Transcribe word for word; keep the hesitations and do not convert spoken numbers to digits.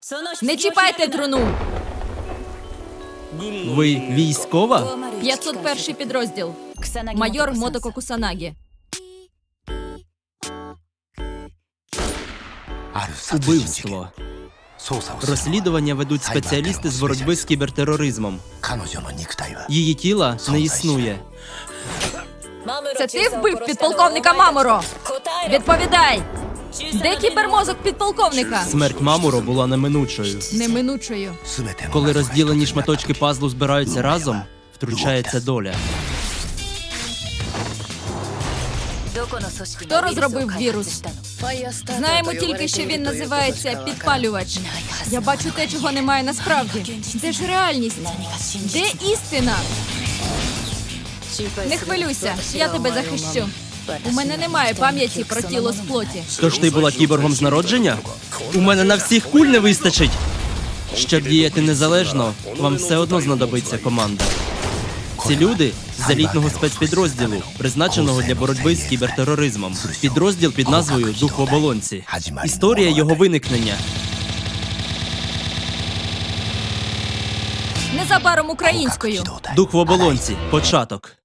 Не чіпайте труну! Ви військова? п'ятсот перший підрозділ. Майор Мотоко Кусанагі. Убивство. Розслідування ведуть спеціалісти з боротьби з кібертероризмом. Її тіла не існує. Це ти вбив підполковника Маморо? Відповідай! Де кібермозок підполковника? Смерть Мамуро була неминучою. Неминучою. Коли розділені шматочки пазлу збираються разом, втручається доля. Хто розробив вірус? Знаємо тільки, що він називається підпалювач. Я бачу те, чого немає насправді. Де ж реальність? Де істина? Не хвилюйся, я тебе захищу. У мене немає пам'яті про тіло з плоті. Тож ти була кіборгом з народження? У мене на всіх куль не вистачить. Щоб діяти незалежно, вам все одно знадобиться команда. Ці люди з елітного спецпідрозділу, призначеного для боротьби з кібертероризмом. Підрозділ під назвою «Дух в оболонці». Історія його виникнення. Незабаром українською. «Дух в оболонці». Початок.